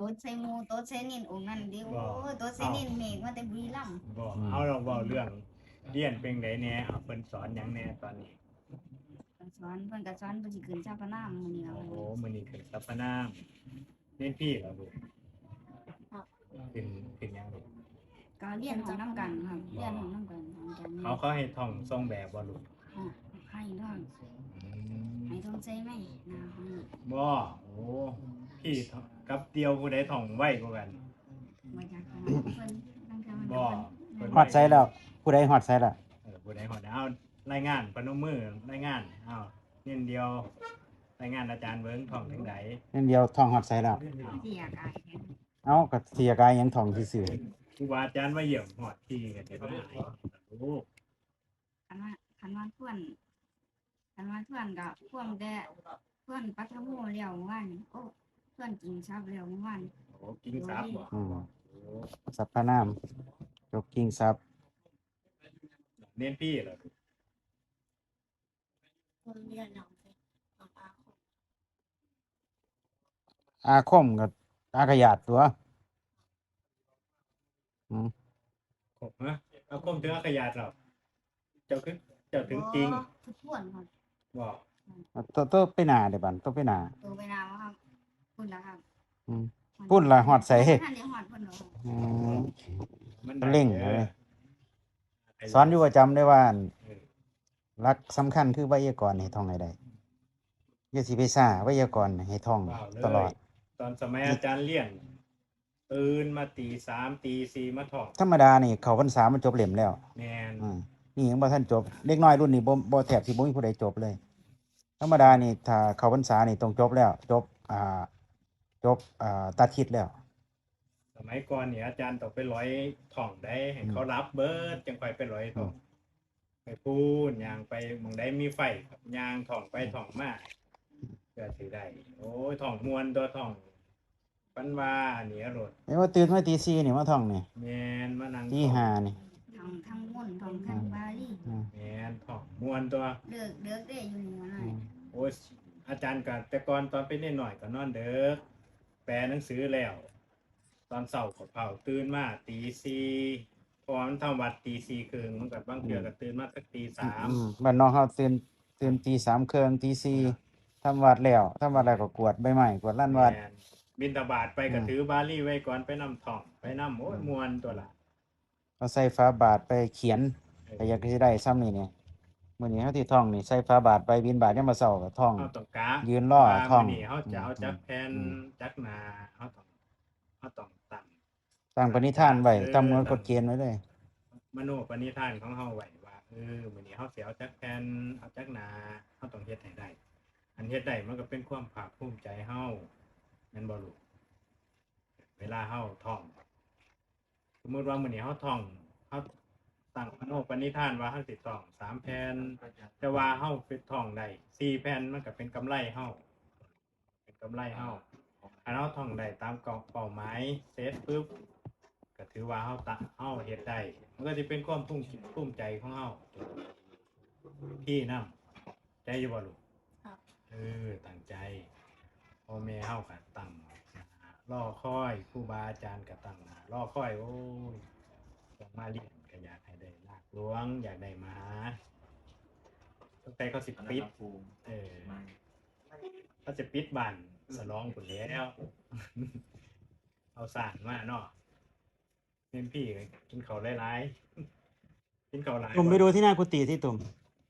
ต๊ดใส่หมูโต๊ดใส่นินองค์นั้นดิโอ้โต๊ดใส่นินเมฆมาแต่บุรีรัมย์บ่เอาเราเว้าเรื่องเรียนเป็นไดแหน่เอาเพิ่นสอนหยังแหน่ตอนนี้เพิ่นก็สอนเพิ่นสิขึ้นชาปนามมื้อนี้ล่ะโอ้โหมื้อนี้ขึ้นสัปปะนามเรียนพี่เหรอลูกขึ้นหยังลูกก็เรียนของน้ำกันครับเรียนของน้ำกันของอาจารย์เขาให้ท่องทรงแบบบ่ลูกให้ท่องอืมให้ท่องใจไหมนะของบ่โอ้พี่กับเดียวผู้ใดท่องไวกว่ากันมาจากของเพิ่นตั้งแต่มันบ่เพิ่นฮอดไซแล้วผู้ใดฮอดไซล่ะผู้ใดฮอดเอารายงานพนมมือรายงานเอาเน้นเดียวรายงานอาจารย์เบิ่งท่องถึงใดนั่นเดียวท่องฮอดไซแล้วที่อยากอายแทนเอ้าก็เสียกายยังท่องซื่อครูบาอาจารย์มาเยี่ยมฮอดที่ก็สิมาให้โอ้คันว่าก็พ่วงแต่เพื่อนปัทโมแล้วเมื่อวานโอ้เพื่อนกินซับแล้วเมื่อวานโหกินซับบ่ๆโอ้สรรพนามจบกิ่งทรัพย์เน้นพี่เหรอคนเรียนเอาไปเอาอาคมอาคมกับอากยาดตัวอืมครบฮะเอาคมถึงขยาดเหรอเจ้าคือเจ้าถึงจริงทุกคนครับบ่ตัวไปหน้าเด้บัดตัวไปหน้าตัวไปนาวครับพุ่นละครับอืม พุ่นล่ะฮอดไสท่านได้ฮอดพุ่นเหรอครับอืมมันเร่งเลยสอนอยู่ประจำได้ว่าอั่นหลักสำคัญคือไวยากรณ์ให้ท่องให้ได้อย่าสิไปซ่าไวยากรณ์ให้ท่องเปล่าเลตลอย ดตอนสมัยอาจารย์เลี้ยนตื่นมาตีสามตีสี่มาท่องธรรมดานี่เข้าพรรษามันจบเล่มแล้วแมนนี่ยังบ่ทันจบเด็กน้อยรุ่นนี้บ่แทบสิบ่มีผู้ใดจบเลย ธรรมดานี่ถ้าเข้าพรรษานี่ต้องจบแล้ว จบตัดทิศแล้วสมัยก่อนเนี่ยอาจารย์ต้องไปร้อยท่องได้ให้เขารับเบิดจังค่อยไปร้อยท่องไปพูดย่างไปหมองได้มีไฟครับย่างท่องไปท่องมาเพื่อสิได้โอ้ยท่องมวนตัวท่องปันว่าอันนี้อรดเอ้ว่าตื่นมาตี4นี่มาท่องนี่แมนมานั่งตีท่อง 5นี่ทางม่วนทางบาลีอืมแมนท่องมวนตัวเลิกได้อยู่นี่มาหน่อยโอ้ยอาจารย์ก็แต่ก่อนตอนเป็นเด็กหน่อยก็นอนเด้อแปลหนังสือแล้ว ตอนเช้าก็เผาตื่นมาตีสี่เพราะว่ามันทำวัดตีสี่ครึ่งมันก็บางเทื่อก็ตื่นมาสักตีสามบ้านน้องเฮาตื่นตี3ครึ่งตี4ทำวัดแล้วก็กวาดใบไม้กวาดลานวัดแม่นบิณฑบาตไปก็ถือบาลีไว้ก่อนไปนำท่องไปนำโอ้ยมวนตัวละเอาใส่ฝาบาทไปเขียนก็อยากสิได้ซ้ำนี่เนี่ยมื้อนี้เฮาสิท่องนี่ใส่ฝาบาทไปบิณฑบาตยามมื้อเช้าก็ท่องเฮาต้องกะยืนรอว่าท่องมื้อนี้เฮาจะเอาจักแผ่นจักหนาเฮาต้องตั้งตั้งปณิธานไว้ตามกฎเกณฑ์ไว้เลยมโนปณิธานของเฮาไว้ว่ามื้อนี้เฮาสิเอาจักแผ่นเอาจักหนาเฮาต้องเฮ็ดให้ได้ อันเฮ็ดได้มันก็เป็นความภาคภูมิใจเฮาแม่นบ่ลูกเวลาเฮาท่อง สมมุติว่ามื้อนี้เฮาท่องเฮาตั้งมโนปณิธานว่าเฮาสิท่อง3แผ่นแต่ว่าเฮาไปท่องได้4แผ่นมันก็เป็นกำไรเฮาเป็นกำไรเฮาอันเฮาท่องได้ตามเป้าหมายเสร็จปึ๊บก็ถือว่าเฮาเฮ็ดได้มันก็สิเป็นความภูมิใจของเฮาพี่นำใจอยู่บ่ลูกครับตั้งใจพ่อแม่เฮาก็ตั้งหน้ารอคอยครูบาอาจารย์ก็ตั้งหน้ารอคอยโอ้ยต้องมาเรียนก็อยากให้ได้ลากหลวงอยากได้มาหาตั้งแต่เขาสิปิดเขาจะปิดบ้านสลองพุ่นแล้ว เอาสร้างมาเนาะเป็นพี่กินข้าวหลายๆกินข้าวหลายตุ่มไปดูที่หน้ากุฏิที่ตุ่ม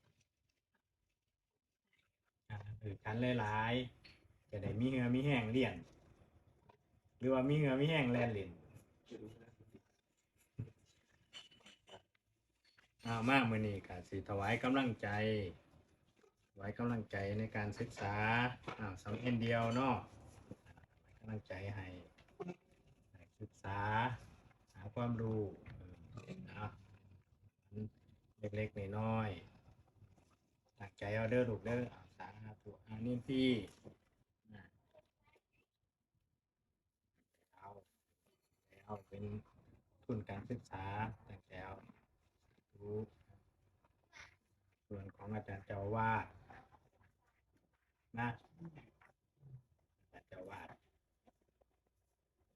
กันหลายๆจะได้มีเหือมีแห้งเรียน หรือว่ามีเหือมีแห้งแล่นเล่นมากมื้อนี้ก็สิถวายกำลังใจในการศึกษาสำเพ็ญเดียวเนาะกำลังใจให้ศึกษาหาความรู้เล็กๆน้อยๆตั้งใจเอาเด้อลูกเด้อสาธุนี่พี่เอาเป็นทุนการศึกษาตั้งแต่เอารู้ส่วนของอาจารย์เจ้าอาวาสนะอาจารย์เจ้าอาวาส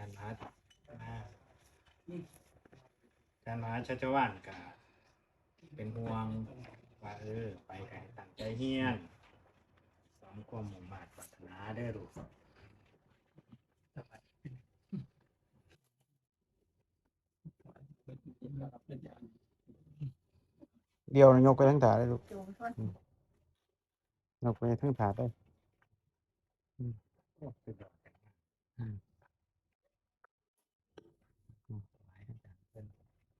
ารย์มหาชัชวาลก็เป็นห่วงว่าไปให้ตั้งใจเรียนสอนความมุ่งมั่นปรารถนาเด้อลูกเดียวยกไปทั้งถาได้ลูกยกไปทั้งถาได้โอ้สุดยอดกันมากอืมหลายอาจารย์เพิ่น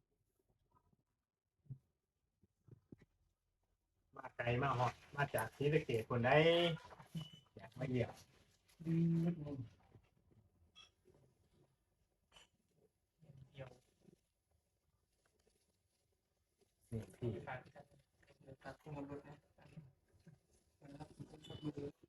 มาไกลมาฮอดมาจากศรีสะเกษคนใดอยากมาเยี่ยมนี่พี่